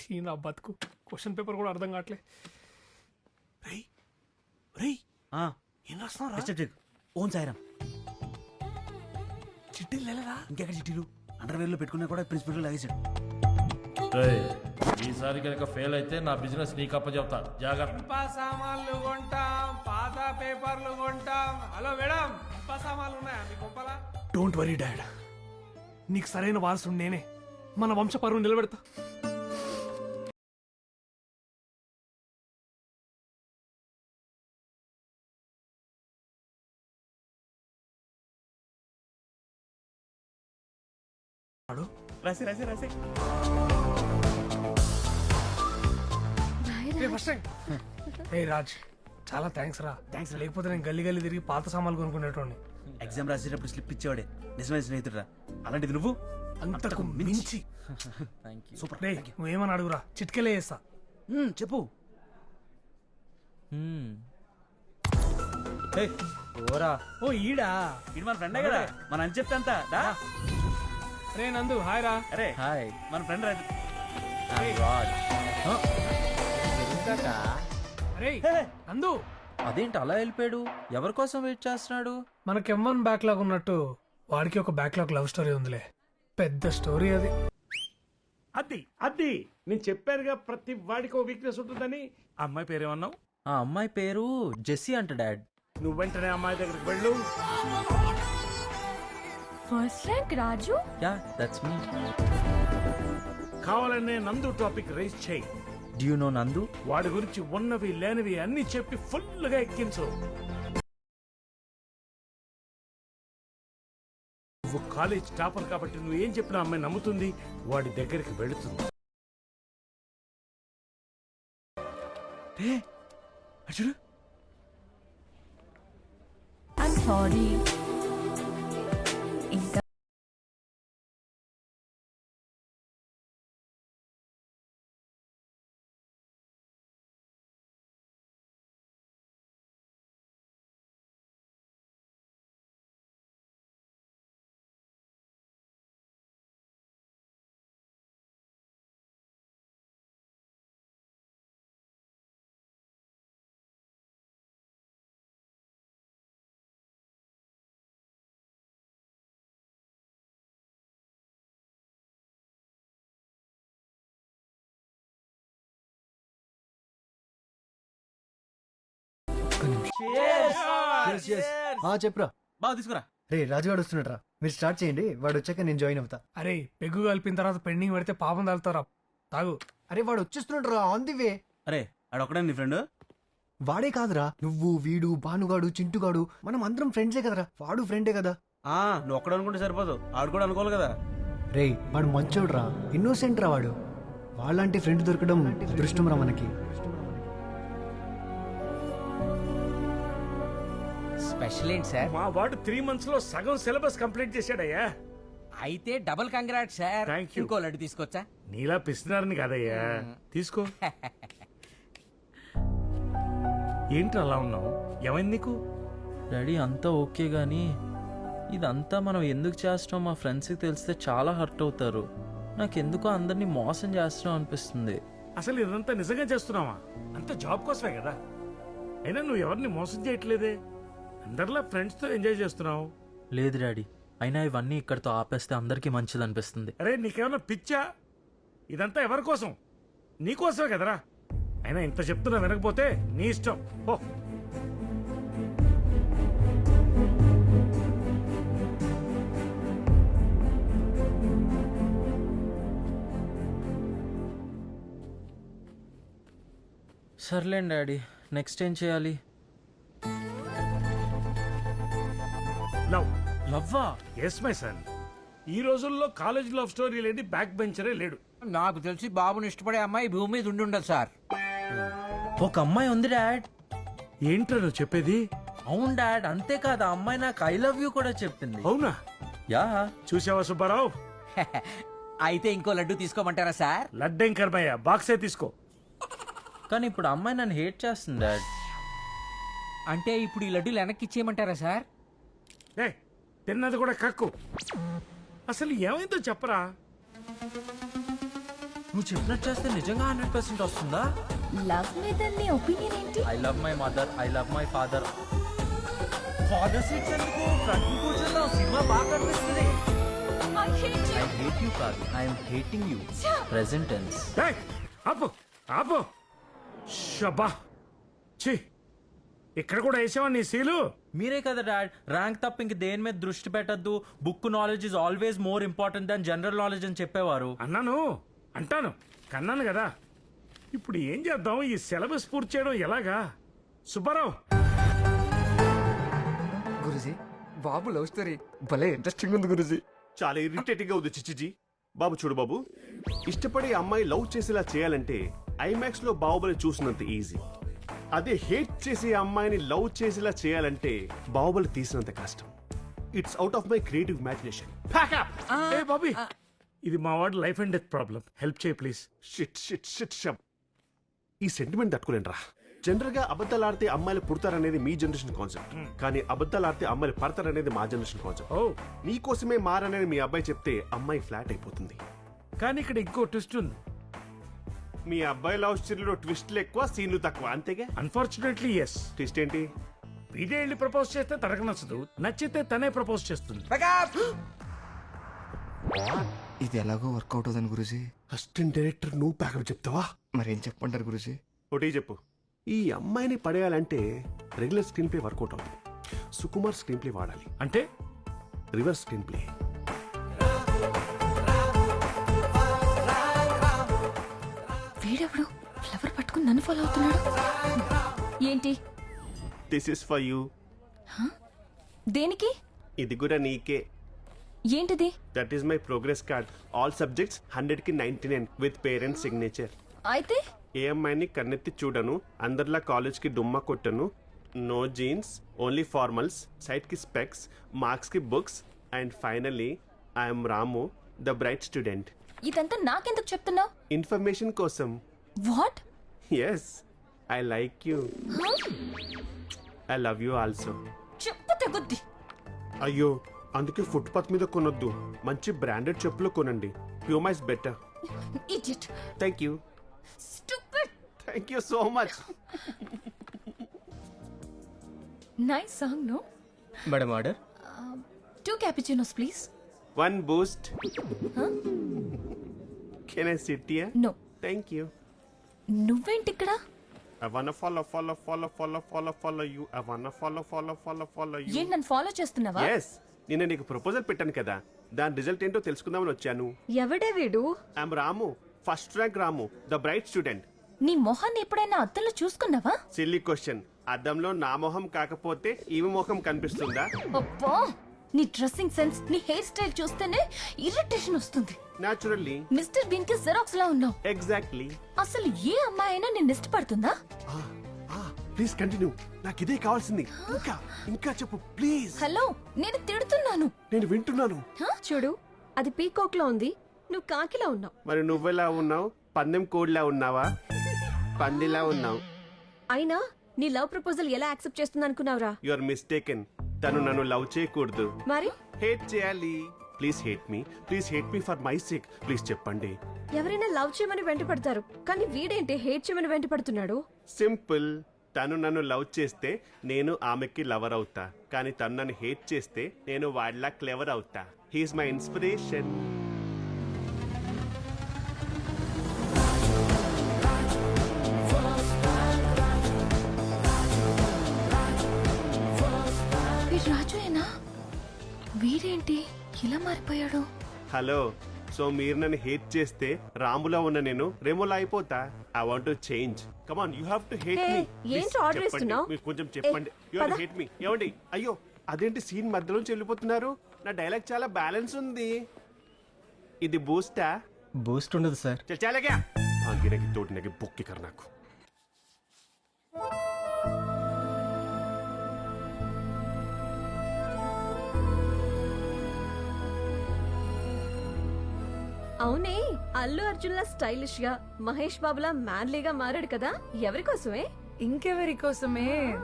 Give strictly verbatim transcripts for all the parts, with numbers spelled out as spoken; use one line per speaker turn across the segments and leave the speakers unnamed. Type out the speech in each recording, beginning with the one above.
చీ నా బతుకు క్వశ్చన్ పేపర్ కూడా అర్థం కావట్లే. రేయ్ రేయ్ ఏం రాస్తున్నారా?
ఓన్ సాయిరామ్.
చిట్టీలు లేలేదా?
ఇంకెక్కడ చిట్టీలు? అండర్వేర్ లో పెట్టుకున్నా కూడా ప్రిన్సిపల్ లాగేశాడు.
ఈసారి కనుక ఫెయిల్ అయితే నా బిజినెస్ నీకు అప్పచెప్తా. జాగ్రత్త.
ఇనుప సామాన్లు కొంటాం, పాత పేపర్లు కొంటాం. హలో మేడం, ఇనుప సామాన్లు ఉన్నాయా మీ కొంపలా? డోంట్ వరీ డాడ్, నీకు సరైన వారసుడు నేనే. మన వంశ పరువు నిలబెడతా.
రాసి రాసి రాసి
ఏ రాజ్, చాలా థ్యాంక్స్ రా. థ్యాంక్స్. లేకపోతే నేను గల్లీ గల్లీ తిరిగి పాత సామాన్లు కొనుక్కునేటోని.
ఎగ్జామ్ రాసేటప్పుడు స్లిప్ ఇచ్చేవాడే నిజమైన స్నేహితుడు. అలాంటిది నువ్వు
అంతకు మించి.
సూపర్.
నువ్వేమని అడుగురా, చిట్కెలే చేస్తా.
చెప్పు.
ఓ ఈడా,
ఇది మన ఫ్రెండే కదా, మన అని చెప్తే అంతా దా.
రే నందు, హాయ్ రా.
అరే హాయ్, మన ఫ్రెండ్ రాజు.
అరే నందు,
అదేంటి అలా వెళ్ళిపోయాడు? ఎవరి కోసం వెయిట్ చేస్తున్నాడు?
మనకి ఎం వన్ బ్యాక్లాగ్ ఉన్నట్టు వాడికి ఒక బ్యాక్లాగ్ లవ్ స్టోరీ ఉందిలే. పెద్ద స్టోరీ అది.
అది అది నేను చెప్పానుగా, ప్రతి వాడికి ఓ వీక్నెస్ ఉంటుందని. ఆ అమ్మాయి పేరేమన్నావు?
ఆ అమ్మాయి పేరు జెస్సీ అంట డాడ్.
నువ్వు వెంటనే అమ్మాయి దగ్గరికి వెళ్ళు.
First rank Raju.
Yeah that's me.
కావాలనే నందు టాపిక్ రైజ్ చేయి.
Do you know Nandu?
వాడి గురించి ఉన్నవి లేనివి అన్ని చెప్పి ఫుల్ గా ఎక్కించు. నువ్వు కాలేజ్ టాపర్ కాబట్టి నువ్వు ఏం చెప్పినా అమ్మాయి నమ్ముతుంది, వాడి దగ్గరికి వెళుతుంది.
చూడు.
I'm sorry. ఇంకా
చెప్పురా.
బాగా తీసుకురా.
రే రాజుగాడు వస్తున్నట్రా, మీరు స్టార్ట్ చేయండి, వాడు వచ్చాక నేను జాయిన్ అవుతా.
అరే పెగ్గు కలిపిన తర్వాత పెండింగ్ పెడితే పాపం తాగుతారా. తాగు.
అరే వాడు వచ్చేస్తున్నట్రా, ఆన్ ది వే.
అరే ఆడొక్కడే నీ ఫ్రెండ్?
వాడే కాదురా, నువ్వు, వీడు, భానుగాడు, చింటుగాడు, మనం అందరం ఫ్రెండ్సే కదరా. వాడు ఫ్రెండే కదా.
ఆ నువ్వు ఒక్కడ అనుకుంటే సరిపోదు, ఆడు కూడా అనుకోవాలి కదా.
రే వాడు మంచోడ్రా, ఇన్నోసెంట్ రా వాడు. వాళ్ళంటి ఫ్రెండ్ దొరకడం అదృష్టం రా మనకి.
స్పెషల్ ఏంటి సార్?
మా వాడు త్రీ మంత్స్ లో సగం సిలబస్ కంప్లీట్ చేశాడయ్యా.
అయితే double congrat sir.
Thank you.
ఇంకో లడ్డు తీసుకొచ్చా?
నీలా పిస్తున్నారని కాదయ్యా, తీసుకో. ఏంటి అలా ఉన్నావు, ఏమైంది నీకు?
డాడీ అంతా ఓకే గానీ ఇదంతా మనం ఎందుకు చేస్తున్నాం మా ఫ్రెండ్స్కి తెలిస్తే చాలా హర్ట్ అవుతారు. నాకెందుకో అందరినీ మోసం చేస్తున్నాం అనిపిస్తుంది.
అసలు ఇదంతా నిజంగా చేస్తున్నావా? అంత జాబ్ కోసమే కదా. అయినా నువ్వు ఎవరిని మోసం చేయట్లేదే, అందరిలా ఫ్రెండ్స్ తో ఎంజాయ్ చేస్తున్నావు.
లేదు డాడీ, అయినా ఇవన్నీ ఇక్కడితో ఆపేస్తే అందరికీ మంచిది అనిపిస్తుంది.
అరే నీకేమన్నా పిచ్చా? ఇదంతా ఎవరి కోసం? నీకోసమే కదరా. అయినా ఇంత చెప్తున్నా వినకపోతే నీ ఇష్టం. ఓ
సర్లేండి డాడీ, నెక్స్ట్ ఏం చేయాలి?
లవ్.
లవ్వా?
Yes my son. ఈ రోజుల్లో కాలేజ్ లవ్ స్టోరీ లేని బ్యాక్ బెంచరే లేడు.
నాకు తెలిసి బాబుని ఇష్టపడే అమ్మాయి భూమి మీద ఉండి ఉండదు సార్.
ఒక అమ్మాయి ఉంది డాడ్.
ఏంట్రా నువ్వు చెప్పేది?
అవును డాడ్, అంతేకాదు ఆ అమ్మాయి నాకు ఐ లవ్ యూ కూడా చెప్పింది.
అవునా?
యా.
చూసావా సుబ్బారావు?
అయితే ఇంకో లడ్డు తీసుకోమంటారా సార్?
లడ్డెం కర్మయ్య, బాక్సే తీసుకో.
కానీ ఇప్పుడు అమ్మాయి నన్ను హేట్ చేస్తుంది డాడ్.
అంటే ఇప్పుడు ఈ లడ్డూలు వెనక్కి ఇచ్చేయమంటారా సార్?
ఏ తిన్నది కూడా కక్కు. అసలు ఏమైందో చెప్పరా.
నువ్వు చెప్పినట్టు చేస్తే నిజంగా హండ్రెడ్ పర్సెంట్ వస్తుందా?
లవ్ మీద నీ ఒపీనియన్ ఏంటి?
I love my mother, I love my father. Father seats ఎందుకు? ఫ్రంట్ కూర్చుందాం, సినిమా బాగా కనిపిస్తుంది.
I hate you.
I hate you కాదు, I'm hating you. Present tense.
ఏయ్, ఆపు ఆపు షబ్బా ఛీ ఇక్కడ కూడా వేసావా నీ సీలు?
మీరే కదా డాడ్ ర్యాంక్ తప్ప ఇంక దేని మీద దృష్టి పెట్టద్దు, book knowledge is always more important than general knowledge అని చెప్పేవారు.
అన్నాను అంటాను కన్నాను కదా. ఇప్పుడు ఏం చేద్దాం? ఈ సిలబస్ పూర్తి చేయడం ఎలాగా? సుబ్బారావు,
గురుజీ బాబు లవ్ స్టోరీ భలే ఇంట్రెస్టింగ్ ఉంది గురుజీ.
చాలా ఇరిటేటింగ్ గా ఉంది చిచ్చిజీ. బాబు చూడు బాబు, ఇష్టపడే అమ్మాయి లవ్ చేసేలా చేయాలంటే ఐమాక్స్ లో బాహుబలి చూసినంత ఈజీ. అదే హేట్ చేసే అమ్మాయిని లవ్ చేసేలా చేయాలంటే బాహుబలి తీసినంత కష్టం. It's out of my creative imagination.
ఏ బాబీ, ఇది మా వాడు life and death problem. Help చేయి ప్లీజ్.
షిట్ షిట్ షిట్ షబ్. ఈ సెంటిమెంట్ తట్టుకోలేండి రా. జనరల్ గా అబద్ధాలు ఆడితే అమ్మాయిలు పుడతారనేది మీ జనరేషన్ కాన్సెప్ట్, కానీ అబద్ధాలు ఆడితే అమ్మాయిలు పడతారనేది మా జనరేషన్ కాన్సెప్ట్.
ఓ
నీకోసమే మారనేది మీ అబ్బాయి చెప్తే అమ్మాయి ఫ్లాట్ అయిపోతుంది.
కానీ ఇక్కడ ఇంకో ట్విస్ట్ ఉంది.
మీ అబ్బాయి లవ్ స్టోరీలో ట్విస్ట్లు ఎక్కువ, సీన్లు తక్కువ, అంతేగా?
Unfortunately yes.
ట్విస్ట్ ఏంటి?
వీడే వెళ్ళి ప్రపోజ్ చేస్తే తనకు నచ్చదు, నచ్చితే తనే ప్రపోజ్ చేస్తుంది.
ఇది ఎలాగో వర్కౌట్ అవుతుంది గురుజీ.
అసిస్టెంట్ డైరెక్టర్ నువ్వు ప్యాకప్ చెప్తావా?
మరేం చెప్పంటారు గురుజీ?
ఒకటి చెప్పు. ఈ అమ్మాయిని పడేయాలంటే రెగ్యులర్ స్క్రీన్ ప్లే వర్కౌట్ అవుతుంది. సుకుమార్ స్క్రీన్ ప్లే వాడాలి.
అంటే
రివర్స్ స్క్రీన్ ప్లే.
వీడెవడు ఫ్లవర్ పట్టుకుని నన్ను ఫాలో అవుతున్నాడు? ఏంటి?
This is for you.
దేనికి?
ఇది కూడా నీకే.
ఏంటిది?
That is my progress card. All subjects hundred కి ninety nine with parents signature.
అయితే
ఏ అమ్మాయిని కన్నెత్తి చూడను, అందరిలా కాలేజ్ కి డుమ్మా కొట్టను, no jeans, only formals, sight కి స్పెక్స్, మార్క్స్ కి books, and finally I'm Ramu, the bright student.
ఇదంతా నాకెందుకు చెప్తున్నావు?
ఇన్ఫర్మేషన్ కోసం.
What?
Yes, I like you. I love you also.
చెప్పు తెగుద్ది.
అయ్యో, అందుకే ఫుట్పాత్ మీద కొనొద్దు, మంచి బ్రాండెడ్ చెప్పులు కొనండి. Puma is better.
Idiot.
Thank you.
Stupid.
Thank you so much.
Nice song, no?
Madam order.
Two cappuccinos please.
One Boost. Can I sit here?
No.
Thank you.
నువ్వేంటి ఇక్కడ?
I wanna follow, follow, follow, follow, follow, follow you. I wanna follow, follow, follow, follow you.
ఏంటి నన్ను follow చేస్తున్నావా?
Yes. నిన్న నీకు proposal పెట్టాను కదా, దాని రిజల్ట్ ఏంటో తెలుసుకుందామని వచ్చాను.
ఎవడే వీడు?
I'm Ramu, first rank Ramu, the bright student.
నీ మొహాన్ని ఎప్పుడైనా అద్దంలో చూసుకున్నావా?
Silly question. అద్దంలో నా మొహం కాకపోతే ఈమె మొహం కనిపిస్తుందా?
అబ్బా, నీ డ్రెస్సింగ్ సెన్స్, నీ హెయిర్ స్టైల్ చూస్తేనే ఇరిటేషన్ వస్తుంది.
Naturally.
మిస్టర్ బీన్ కి జెరాక్స్ లా ఉన్నావు.
Exactly.
అసలు ఏ అమ్మాయి అయినా నిన్ను ఇష్టపడుతుందా?
ప్లీజ్ కంటిన్యూ, నాకు ఇదే కావాల్సింది. ఇంకా ఇంకా చెప్పు ప్లీజ్.
హలో, నేను తిడుతున్నాను.
నేను వింటున్నాను.
చూడు, అది పీకాక్ లో ఉంది, నువ్వు కాకిలా ఉన్నావు.
మరి నువ్వెలా ఉన్నావు? పందెం కోడిలా ఉన్నావా? పందిలా ఉన్నావు.
అయినా నీ లవ్ ప్రపోజల్ ఎలా యాక్సెప్ట్ చేస్తుంది అనుకున్నావురా?
You are mistaken. తను నన్ను లవ్ చేయకూడదు,
మరి
హేట్ చేయాలి. Please hate me, please hate me for my sake. Please చెప్పండి.
ఎవరైనా లవ్ చేయమని వెంట పడతారు, కానీ వీడేంటి హేట్ చేయమని వెంట పడుతున్నాడు?
సింపుల్. తను నన్ను లవ్ చేస్తే నేను ఆమెకి లవర్ అవుతా, కానీ తను నన్ను హేట్ చేస్తే నేను వాడిలా క్లెవర్ అవుతా. He's my inspiration.
రాజుయేనా? వీడేంటి ఇలా మారిపోయాడు?
హలో, సో మీరు నన్ను హేట్ చేస్తే రాములా ఉన్న నేను రేమోలా అయిపోతా. I want to change. Come on, you have to hate me.
ఏంటి ఆర్డర్ ఇస్తున్నావు?
మీరు కొంచెం చెప్పండి. You have to hate me. ఏమండి? అయ్యో, అదేంటి సీన్ మధ్యలోంచి వెళ్ళిపోతున్నారు? నా డైలాగ్ చాలా బ్యాలెన్స్ ఉంది. ఇది బూస్టా?
బూస్ట్ ఉండదు సార్.
చల్ చాలేగా. గిరకి తోటినకి బొక్కి కర్ నాకు.
అవునే, అల్లు అర్జున్ లా స్టైలిష్ గా, మహేష్ బాబులా మ్యాన్లీగా మారాడు కదా, ఎవరి కోసమే?
ఇంకెవరి కోసమే?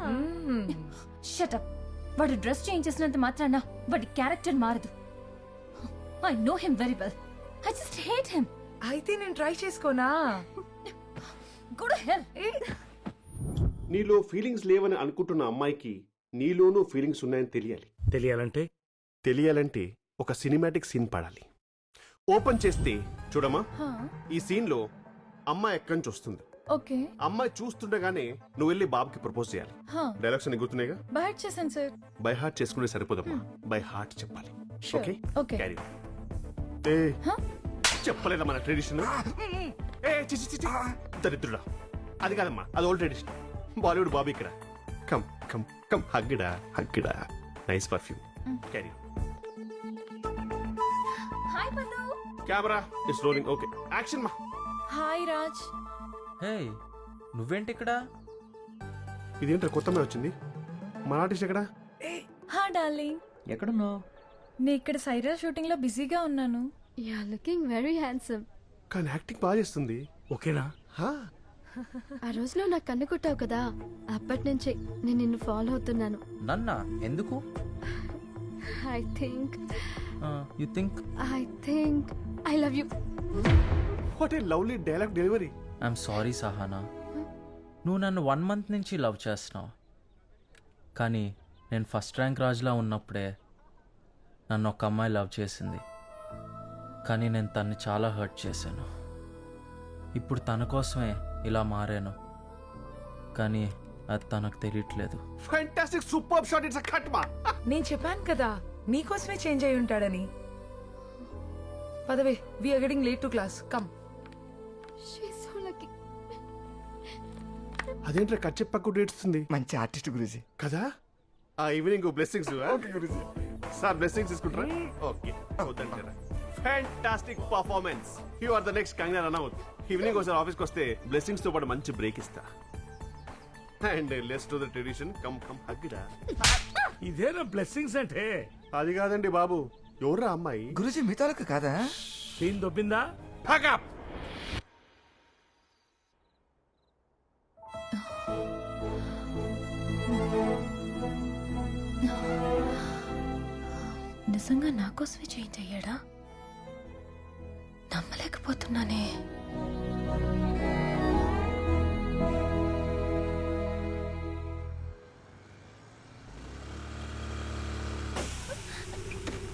షటప్. వాడు డ్రెస్ చేంజ్ చేసినంత మాత్రాన వాడి క్యారెక్టర్ మారదు. I know him very well. I just hate him.
అయితే నేను ట్రై చేసుకోనా?
గుడ్ హెల్.
నీలో ఫీలింగ్స్ లేవని అనుకుంటున్న అమ్మాయికి నీలోనూ ఫీలింగ్స్ ఉన్నాయని తెలియాలి.
తెలియాలంటే
తెలియాలంటే ఒక సినిమాటిక్ సీన్ పడాలి. ఓపెన్ చేస్తే చూడమ్మా, ఈ సీన్ లో అమ్మాయి ఎక్కడి నుంచి వస్తుంది.
ఓకే.
అమ్మాయి చూస్తుండగానే నువ్వు వెళ్ళి బాబుకి ప్రపోజ్ చేయాలి. డైలాగ్స్ అన్ని గుర్తున్నాయిగా?
బై చేశాను సార్.
బై హార్ట్ చేసుకుంటే సరిపోదమ్మా, బై హార్ట్ చెప్పాలి. Okay
okay.
క్యారీ ఏ చెప్పలేదా మన ట్రెడిషన్? ఏ చిచి చిచి దరిద్రుడా, అది కాదమ్మా, అది ఓల్డ్ ట్రెడిషన్. బాలీవుడ్ బాబీ ఇక్కడ. కమ్ కమ్ కమ్ హగ్గిడా హగ్గిడా. Nice perfume. క్యారీ.
హాయ్ పల్లు.
Camera is rolling. Okay action మా.
హాయ్ రాజ్.
హే నువ్వేంటి ఇక్కడ?
ఇదేంటో కొత్త మీద వచ్చింది. మన ఆర్టిస్ట్ ఎక్కడ?
హా డార్లింగ్.
ఎక్కడున్నావు?
నేను ఇక్కడ సైరా షూటింగ్ లో బిజీగా ఉన్నాను.
You are looking very handsome.
కానీ యాక్టింగ్ బాగా చేస్తుంది.
ఓకేనా?
హా
ఆ రోజులో నాకు కన్ను కొట్టావు కదా, అప్పటి నుంచి నేను నిన్ను ఫాలో అవుతున్నాను.
నన్నా? ఎందుకు?
I think
you think?
I think I love you.
What a lovely dialogue delivery.
I'm sorry Sahana, నువ్వు నన్ను వన్ మంత్ నుంచి లవ్ చేస్తున్నావు. కానీ నేను ఫస్ట్ ర్యాంక్ రాజులా ఉన్నప్పుడే నన్ను ఒక అమ్మాయి లవ్ చేసింది. కానీ నేను తన్ని చాలా హర్ట్ చేశాను. ఇప్పుడు తన కోసమే ఇలా మారాను, కానీ అది తనకు తెలియట్లేదు.
Fantastic super shot. It's a cut మా.
నేను చెప్పాను కదా నీకోసమే చేంజ్ అయి ఉంటాడని. పదవే, we are getting late to class. Come.
She is so lucky.
అదేంట్రా కట్ చెప్పకుండా ఏడుస్తుంది
మంచి ఆర్టిస్ట్ గురూజీ.
కదా? ఆ ఈవినింగ్ బ్లెస్సింగ్స్ సార్, బ్లెస్సింగ్స్ తీసుకుంటారా? Okay fantastic performance. You are the next Kangana Ranaut. Evening ఒకసారి ఆఫీస్కి వస్తే బ్లెస్సింగ్స్ తో పాటు మంచి బ్రేక్ ఇస్తా. And let's to the tradition. Come come హగ్గిడా.
ఇదేనా బ్లెస్సింగ్స్ అంటే?
అది కాదండి బాబు, ఎవర్రా అమ్మాయి?
గురూజీ మీ తాలూకు కాదా?
సీన్ దొబ్బిందా?
Pack
నిజంగా నా కోసమే చేంజ్ అయ్యాడా? నమ్మలేకపోతున్నానే.